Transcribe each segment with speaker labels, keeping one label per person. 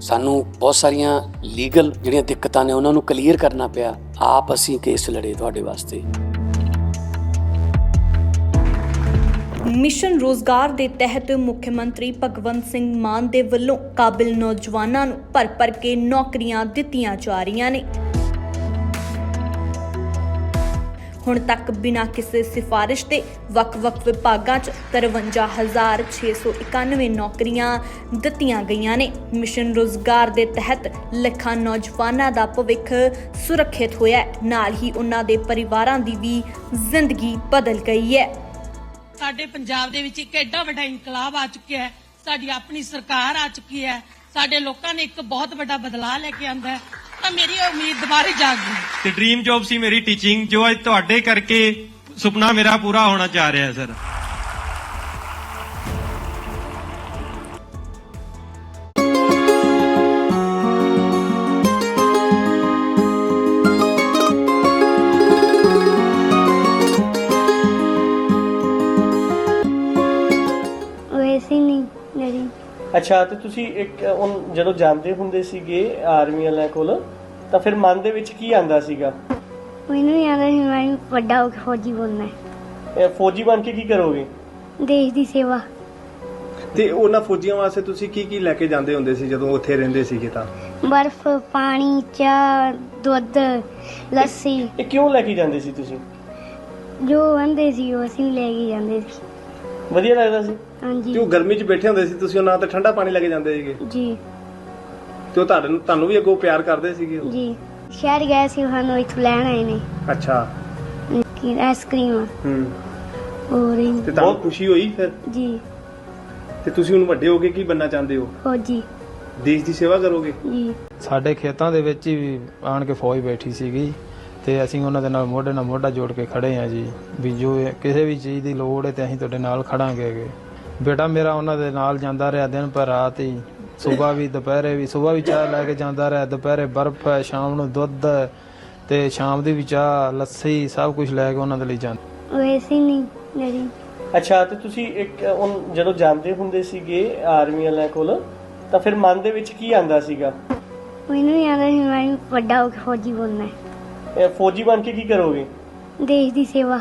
Speaker 1: ਸਾਨੂੰ ਬਹੁਤ ਸਾਰੀਆਂ ਲੀਗਲ ਜਿਹੜੀਆਂ ਦਿੱਕਤਾਂ ਨੇ ਉਹਨਾਂ ਨੂੰ ਕਲੀਅਰ ਕਰਨਾ ਪਿਆ। ਆਪ ਅਸੀਂ ਕੇਸ ਲੜੇ ਤੁਹਾਡੇ ਵਾਸਤੇ।
Speaker 2: ਮਿਸ਼ਨ ਰੋਜ਼ਗਾਰ ਦੇ ਤਹਿਤ ਮੁੱਖ ਮੰਤਰੀ ਭਗਵੰਤ ਸਿੰਘ ਮਾਨ ਦੇ ਵੱਲੋਂ ਕਾਬਿਲ ਨੌਜਵਾਨਾਂ ਨੂੰ ਭਰ ਕੇ ਨੌਕਰੀਆਂ ਦਿੱਤੀਆਂ ਜਾ ਰਹੀਆਂ ਨੇ। ਹੁਣ ਤੱਕ ਬਿਨਾਂ ਕਿਸੇ ਸਿਫਾਰਿਸ਼ ਦੇ ਵੱਖ-ਵੱਖ ਵਿਭਾਗਾਂ 'ਚ 53,691 ਨੌਕਰੀਆਂ ਦਿੱਤੀਆਂ ਗਈਆਂ ਨੇ। ਮਿਸ਼ਨ ਰੋਜ਼ਗਾਰ ਦੇ ਤਹਿਤ ਲੱਖਾਂ ਨੌਜਵਾਨਾਂ ਦਾ ਭਵਿੱਖ ਸੁਰੱਖਿਅਤ ਹੋਇਆ ਹੈ, ਨਾਲ ਹੀ ਉਹਨਾਂ ਦੇ ਪਰਿਵਾਰਾਂ ਦੀ ਵੀ ਜ਼ਿੰਦਗੀ ਬਦਲ ਗਈ ਹੈ।
Speaker 3: ਸਾਡੇ ਪੰਜਾਬ ਦੇ ਵਿੱਚ ਇੱਕ ਐਡਾ ਵੱਡਾ ਇਨਕਲਾਬ ਆ ਚੁੱਕਿਆ ਹੈ, ਸਾਡੀ ਆਪਣੀ ਸਰਕਾਰ ਆ ਚੁੱਕੀ ਹੈ, ਸਾਡੇ ਲੋਕਾਂ ਨੇ ਇੱਕ ਬਹੁਤ ਵੱਡਾ ਬਦਲਾਅ ਲੈ ਕੇ ਆਂਦਾ ਹੈ, ਤਾਂ ਮੇਰੀ ਉਮੀਦ ਦੁਬਾਰੇ ਜਾਗ ਗਈ
Speaker 4: ਤੇ ਡ੍ਰੀਮ ਜੌਬ ਸੀ ਮੇਰੀ ਟੀਚਿੰਗ, ਜੋ ਅੱਜ ਤੁਹਾਡੇ ਕਰਕੇ ਸੁਪਨਾ ਮੇਰਾ ਪੂਰਾ ਹੋਣਾ ਚਾਹ ਰਿਹਾ ਹੈ ਸਰ।
Speaker 5: ਅੱਛਾ, ਤੇ ਤੁਸੀਂ ਇੱਕ ਜਦੋਂ ਜਾਂਦੇ ਹੁੰਦੇ ਸੀਗੇ ਆਰਮੀ ਵਾਲਿਆਂ ਕੋਲ ਤਾਂ ਫਿਰ ਮਨ ਦੇ ਵਿੱਚ ਕੀ ਆਂਦਾ ਸੀਗਾ?
Speaker 6: ਮੈਨੂੰ ਯਾਦ ਸੀ ਮੈਂ ਵੱਡਾ ਹੋ ਕੇ ਫੌਜੀ ਬਣਨਾ ਹੈ।
Speaker 5: ਫੌਜੀ ਬਣ ਕੇ ਕੀ ਕਰੋਗੇ?
Speaker 6: ਦੇਸ਼ ਦੀ ਸੇਵਾ।
Speaker 7: ਤੇ ਉਹਨਾਂ ਫੌਜੀਆਂ ਵਾਸਤੇ ਤੁਸੀਂ ਕੀ ਕੀ ਲੈ ਕੇ ਜਾਂਦੇ ਹੁੰਦੇ ਸੀ ਜਦੋਂ ਉੱਥੇ ਰਹਿੰਦੇ ਸੀਗੇ? ਤਾਂ
Speaker 6: ਬਰਫ਼, ਪਾਣੀ, ਚਾਹ, ਦੁੱਧ, ਲੱਸੀ।
Speaker 5: ਇਹ ਕਿਉਂ ਲੈ ਕੇ ਜਾਂਦੇ ਸੀ ਤੁਸੀਂ?
Speaker 6: ਜੋ ਆਂਦੇ ਸੀ ਉਹ ਅਸੀਂ ਲੈ ਕੇ ਜਾਂਦੇ ਸੀ।
Speaker 5: ਵਧੀਆ ਲੱਗਦਾ ਸੀ?
Speaker 6: ਹਾਂਜੀ।
Speaker 7: ਤੇ ਉਹ ਗਰਮੀ 'ਚ ਬੈਠੇ ਹੁੰਦੇ ਸੀ, ਤੁਸੀਂ ਉਹਨਾਂ ਤੇ ਠੰਡਾ ਪਾਣੀ ਲੈ ਕੇ ਜਾਂਦੇ ਸੀਗੇ?
Speaker 6: ਜੀ।
Speaker 7: ਤੇ ਉਹ ਤੁਹਾਨੂੰ ਵੀ ਅੱਗੋਂ ਪਿਆਰ ਕਰਦੇ ਸੀਗੇ?
Speaker 6: ਜੀ। ਸ਼ਹਿਰ ਗਏ ਸੀ, ਸਾਨੂੰ ਇੱਥੋਂ ਲੈਣ ਆਏ ਨੇ।
Speaker 7: ਅੱਛਾ।
Speaker 6: ਆਈਸਕ੍ਰੀਮ ਹੋਰ
Speaker 7: ਤੇ ਬਹੁਤ ਖੁਸ਼ੀ ਹੋਈ ਫਿਰ?
Speaker 6: ਜੀ।
Speaker 7: ਤੇ ਤੁਸੀਂ ਹੁਣ ਵੱਡੇ ਹੋ ਕੇ ਕੀ ਬਣਨਾ ਚਾਹੁੰਦੇ ਹੋ?
Speaker 6: ਫੌਜੀ।
Speaker 7: ਦੇਸ਼ ਦੀ ਸੇਵਾ ਕਰੋਗੇ?
Speaker 6: ਜੀ।
Speaker 8: ਸਾਡੇ ਖੇਤਾਂ ਦੇ ਵਿੱਚ ਹੀ ਆਣ ਕੇ ਫੌਜ ਬੈਠੀ ਸੀਗੀ ਤੇ ਅਸੀਂ ਉਹਨਾਂ ਦੇ ਨਾਲ ਮੋਢਾ ਜੋੜ ਕੇ ਖੜੇ ਆ ਜੀ, ਵੀ ਜੋ ਕਿਸੇ ਵੀ ਚੀਜ਼ ਦੀ ਲੋੜ ਹੈ ਤੇ ਅਸੀਂ ਤੁਹਾਡੇ ਨਾਲ ਖੜਾਂਗੇ। ਬੇਟਾ ਮੇਰਾ ਉਹਨਾਂ ਦੇ ਨਾਲ ਜਾਂਦਾ ਰਿਹਾ ਦਿਨ ਪਰ ਰਾਤ ਹੀ, ਸਵੇਰ ਵੀ ਦੁਪਹਿਰੇ ਵੀ। ਸਵੇਰ ਵੀ ਚਾਹ ਲੈ ਕੇ ਜਾਂਦਾ ਰਿਹਾ, ਦੁਪਹਿਰੇ ਬਰਫ਼ ਹੈ, ਸ਼ਾਮ ਨੂੰ ਦੁੱਧ ਤੇ ਸ਼ਾਮ ਦੀ ਵੀ ਚਾਹ, ਲੱਸੀ, ਸਭ ਕੁਝ ਲੈ ਕੇ ਉਹਨਾਂ ਦੇ ਲਈ ਜਾਂਦਾ।
Speaker 6: ਵੈਸੇ ਨਹੀਂ ਡੈਡੀ।
Speaker 5: ਅੱਛਾ, ਤੇ ਤੁਸੀਂ ਇੱਕ ਜਦੋਂ ਜਾਂਦੇ ਹੁੰਦੇ ਸੀਗੇ ਆਰਮੀ ਵਾਲਿਆਂ ਕੋਲ ਤਾਂ ਫਿਰ ਮਨ ਦੇ ਵਿੱਚ ਕੀ ਆਂਦਾ ਸੀਗਾ?
Speaker 6: ਮੈਨੂੰ ਯਾਦ ਸੀ ਮੈਂ ਵੱਡਾ ਹੋ ਕੇ ਫੌਜੀ ਬਣਨਾ ਹੈ।
Speaker 5: ਫੌਜੀ ਬਣ ਕੇ ਕੀ ਕਰੋਗੇ?
Speaker 6: ਦੇਸ਼ ਦੀ ਸੇਵਾ।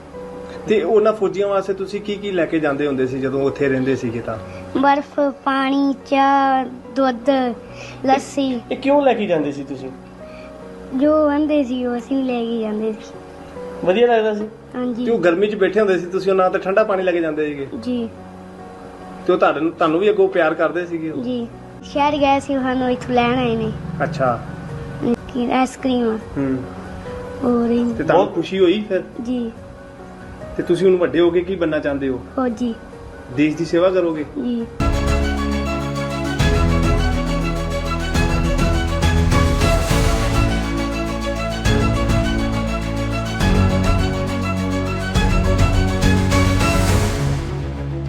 Speaker 7: ਤੇ ਉਹਨਾਂ ਫੌਜੀਆਂ ਵਾਸਤੇ ਤੁਸੀਂ ਕੀ ਕੀ ਲੈ ਕੇ ਜਾਂਦੇ ਹੁੰਦੇ ਸੀ ਜਦੋਂ ਉੱਥੇ ਰਹਿੰਦੇ ਸੀਗੇ? ਤਾਂ
Speaker 6: ਬਰਫ਼, ਪਾਣੀ, ਚਾਹ, ਦੁੱਧ, ਲੱਸੀ।
Speaker 5: ਇਹ ਕਿਉਂ ਲੈ ਕੇ ਜਾਂਦੇ ਸੀ ਤੁਸੀਂ?
Speaker 6: ਜੋ ਆਂਦੇ ਸੀ ਉਹ ਅਸੀਂ ਲੈ ਕੇ ਜਾਂਦੇ ਸੀ।
Speaker 5: ਵਧੀਆ ਲੱਗਦਾ ਸੀ?
Speaker 6: ਹਾਂਜੀ।
Speaker 7: ਤੇ ਉਹ ਗਰਮੀ 'ਚ ਬੈਠੇ ਹੁੰਦੇ ਸੀ, ਤੁਸੀਂ ਉਹਨਾਂ ਤੇ ਠੰਡਾ ਪਾਣੀ ਲੈ ਕੇ ਜਾਂਦੇ ਸੀਗੇ?
Speaker 6: ਜੀ।
Speaker 7: ਤੇ ਉਹ ਤੁਹਾਨੂੰ ਵੀ ਅੱਗੋਂ ਪਿਆਰ ਕਰਦੇ ਸੀਗੇ?
Speaker 6: ਜੀ। ਸ਼ਹਿਰ ਗਏ ਸੀ, ਸਾਨੂੰ ਇੱਥੋਂ ਲੈਣ ਆਏ ਨੇ।
Speaker 7: ਅੱਛਾ।
Speaker 6: ਆਈਸਕ੍ਰੀਮ ਹੋਰ
Speaker 7: ਤੇ ਬਹੁਤ ਖੁਸ਼ੀ ਹੋਈ ਫਿਰ?
Speaker 6: ਜੀ।
Speaker 7: ਤੇ ਤੁਸੀਂ ਹੁਣ ਵੱਡੇ ਹੋ ਕੇ ਕੀ ਬਣਨਾ ਚਾਹੁੰਦੇ ਹੋ?
Speaker 6: ਫੌਜੀ।
Speaker 7: ਦੇਸ਼ ਦੀ ਸੇਵਾ ਕਰੋਗੇ?
Speaker 6: ਜੀ।